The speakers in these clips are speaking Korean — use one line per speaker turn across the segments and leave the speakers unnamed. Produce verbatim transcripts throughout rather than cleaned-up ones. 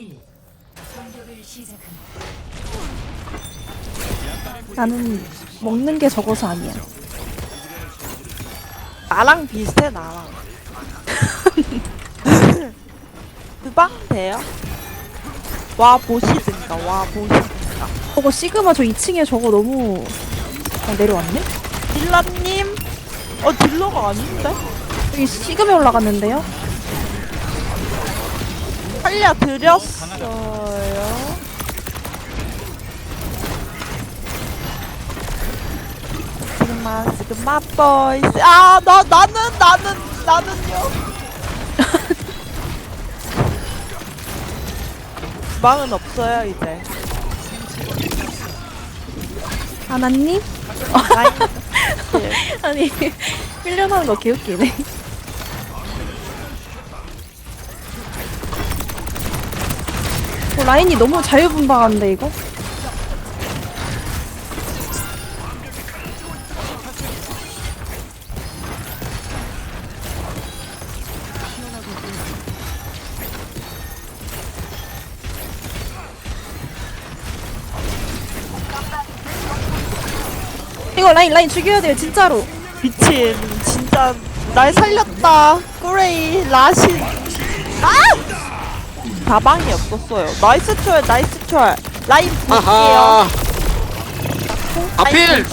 일. 공격을 시작합니다.
나는 먹는 게 적어서 아니야.
나랑 비슷해 나랑. 그방 돼요? 와 보시든가 와 보시든가.
저거 시그마 저 이 층에 저거 너무 아, 내려왔네?
딜라님? 어 딜러가 아닌데?
여기 시그마 올라갔는데요?
살려드렸어요. 스그마 스그마 보이스. 아나 나는 나는 나는요. 망은 없어요 이제.
아나님?
라인. 네.
아니 훈련하는 거 개웃기네. 어, 라인이 너무 자유분방한데 이거? 이거 라인 라인 죽여야 돼요 진짜로.
미친 진짜 날 살렸다. 꾸레이 라신. 아! 가방이 없었어요. 나이스 초월 나이스 초월. 라인 볼게요.
아하. 아필!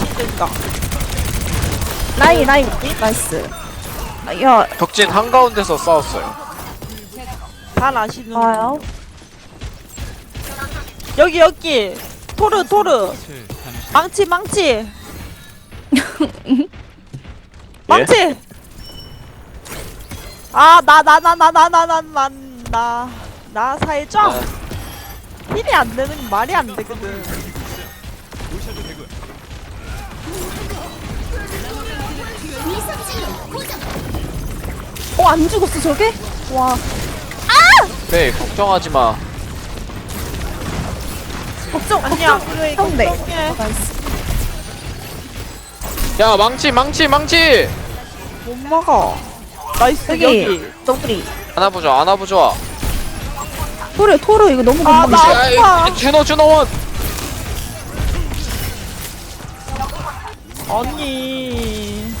라인 라인 나이스. 아, 야
덕진 한가운데서 싸웠어요.
잘 아시는
좋아요.
여기 여기 토르 토르 망치 망치 망치. 아 나 나 나 나 나 나 나 나 나 나 살짝 힐이 안 되는 게 말이 안 되거든.
어 안 죽었어 저게? 와
네, 걱정하지 마.
걱정
아니야
걱정
그래
형네.
걱정해.
나이스.
야, 망치, 망치, 망치!
못 먹어. 나이스
여기
여기.
너구리.
안아보자, 안아보자.
토르 토르 이거 너무
아,
건방져.
나-
야, 이-
아파.
이 준호, 준호원!
아니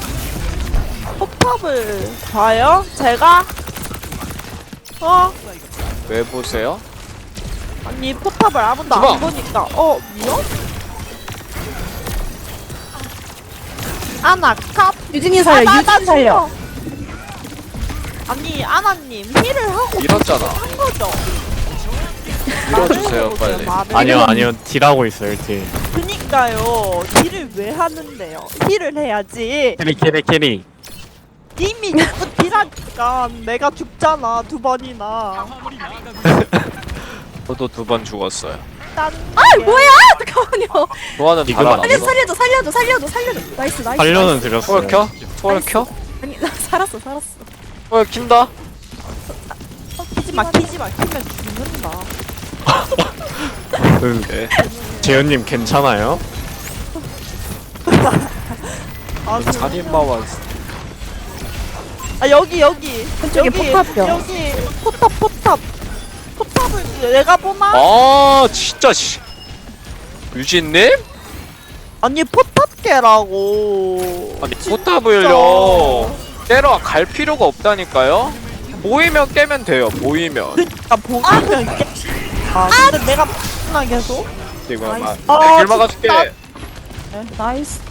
포탑을 봐요? 제가? 어?
왜 보세요?
아니 포탑을 아무도
주방.
안 보니까 어? 미요? 아나 캅
유진이 살려
아, 나- 나
유진 살려.
죽어. 아니 아나님 힐을 하고
밀었잖아.
한 거죠?
밀어주세요, 빨리.
말을.
아니요 아니요 딜하고 있어요 딜.
그니까요 딜을 왜 하는데요? 힐을 해야지.
캐리 캐리 캐리.
이미 자꾸 딜하니까 내가 죽잖아 두 번이나.
저도 두 번 죽었어요.
딴
아
게.
뭐야 잠깐만요.
좋아는
이거
달아났어.
살려 살려줘 살려줘 살려줘 살려줘. 나이스 나이스.
살려는 드렸어요.
초월 켜? 초월
나이스.
켜?
아니 나 살았어 살았어.
초월 킨다?
키지마 키지마 키면 죽는다.
그
오케이.
재현님 괜찮아요?
아, 그-
살인마와
아 여기 여기
왼쪽에
여기
포탑이요.
여기 포탑 포탑 포탑을 내가 보나?
아, 진짜, 씨. 유진님?
아니 포탑 깨라고.
아니, 포탑을요. 때려 갈 필요가 없다니까요? 모이면 깨면 돼요, 모이면.
그니까 보기면 깨. 아 근데 내가 나 계속.
이거 막,
아,
내 길 막아줄게.
진짜.
네, 나이스.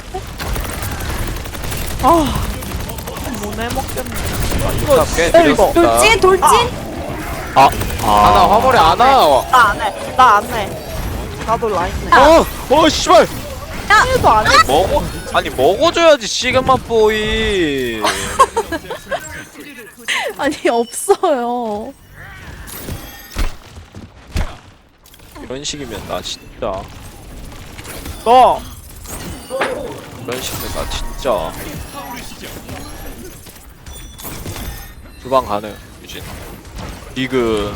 아 못해 먹겠네.
이거 깨
이거
드렸다.
돌진 돌진.
아,
아나
아.
화물에 안 와.
나안 해. 나 안 해. 나도 라인.
어, 어, 씨발.
힐도 안 해.
먹어, 아니 먹어줘야지 시그마 보이.
아니 없어요.
이런 식이면 나 진짜,
너
이런 식이면 나 진짜. 주방 가능, 유진. 디그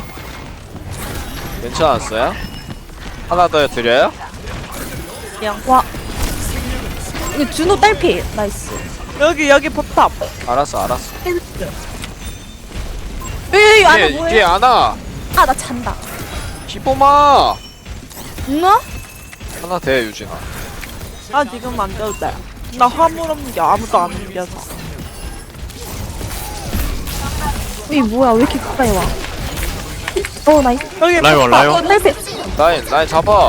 괜찮았어요? 하나 더 드려요?
그냥
와. 이거 준호 딸피. 나이스.
여기 여기 포탑.
알았어, 알았어.
여기 여기 안에
뒤에,
뭐해?
뒤에 안아.
아 나 잔다.
티보마
누나?
하나 돼 유진아.
아 지금 안 돼도 돼. 나 화물 없는 게 아무도 안 옮겨서.
이 뭐야 왜 이렇게 가까이 와? 어 나이스.
여기
라이원
폭파.
라이원.
헬멧.
라인 라인 잡아.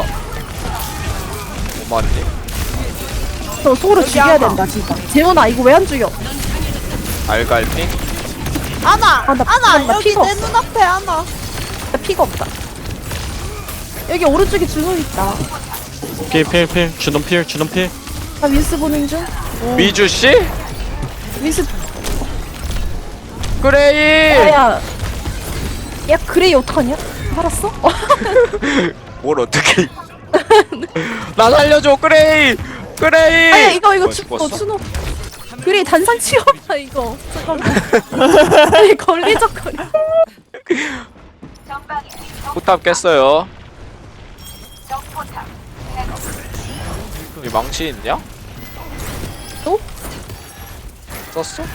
오마님
너 속으로
여기
죽여야
하나.
된다 진짜. 재원아 이거 왜 안 죽여?
알갈핑.
아나
아, 나
아나
나
여기
피가
내 눈앞에 아나.
나 피가 없다. 여기 오른쪽에 준호 있다.
필필필 주놈 필 주놈 필.
나 윈스 보는 중.
미주 씨?
윈스.
그레이.
야야. 야 그레이 어떡하냐? 알았어?
뭘 어떻게? 나 살려줘 그레이. 그레이.
아야 이거 이거
어,
죽어
죽었어?
준호. 그레이 단상 치워봐 이거. 잠깐만. 아니 걸리적거려.
포탑 깼어요. 이 망치 있냐?
또?
썼어?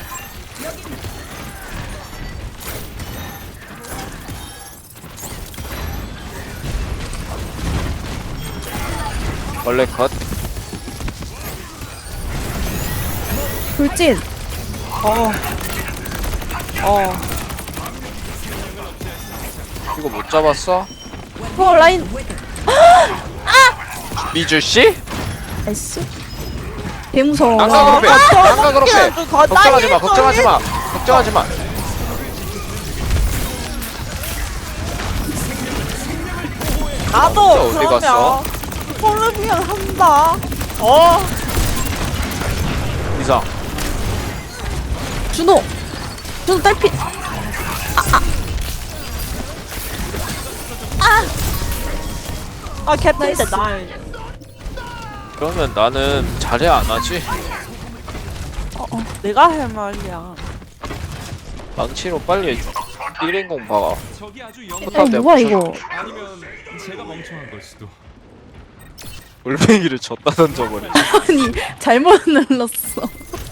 원래 컷.
돌진.
어. 어.
이거 못 잡았어?
어 라인.
미주 씨?
나이스. 개 무서워.
난가 그렇게. 난가 그렇게.
저렇게 더
걱정하지 마.
나이
걱정하지 마. 걱정하지 마.
나도
어디
그러면
갔어?
폴르비언 한다. 어.
이상.
준호. 준호 딸피.
아 캡틴데
나이스.
나.
그러면 나는 잘해 안 하지?
내가 할 말이야.
망치로 빨리 일 인공 박아.
저기 아주
어
영
뭐야 이거?
아니면 제가 멍청한 걸 수도.
올뱅이를 줬다 던져버리.
아니 잘못 눌렀어.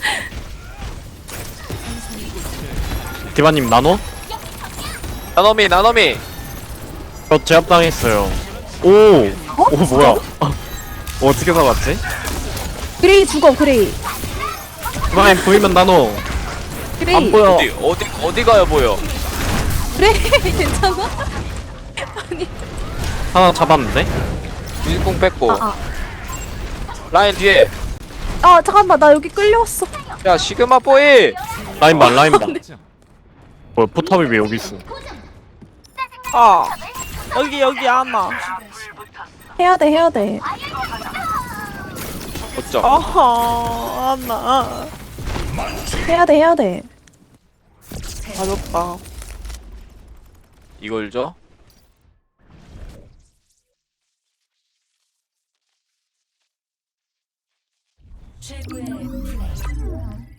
디바님 나노?
나노미 나노미.
저 제압당했어요. 오. 오 뭐야? 어, 어떻게 살았지?
그레이 죽어 그레이.
디바님 보이면 나노.
그레이.
안 보여.
어디 어디 어디 가요 보여?
그레이 괜찮아?
하나 잡았는데?
일공 뺐고.
아, 아.
라인 뒤에.
아 잠깐만 나 여기 끌려왔어.
야 시그마 뽀이.
라인 봐 라인 봐. 뭐야 포탑이 왜 여기 있어?
아 여기 여기 아나.
해야 돼 해야 돼.
어쩜?
어허 아나.
해야 돼 해야 돼.
맞았다.
이걸 줘?
최고의 플레이.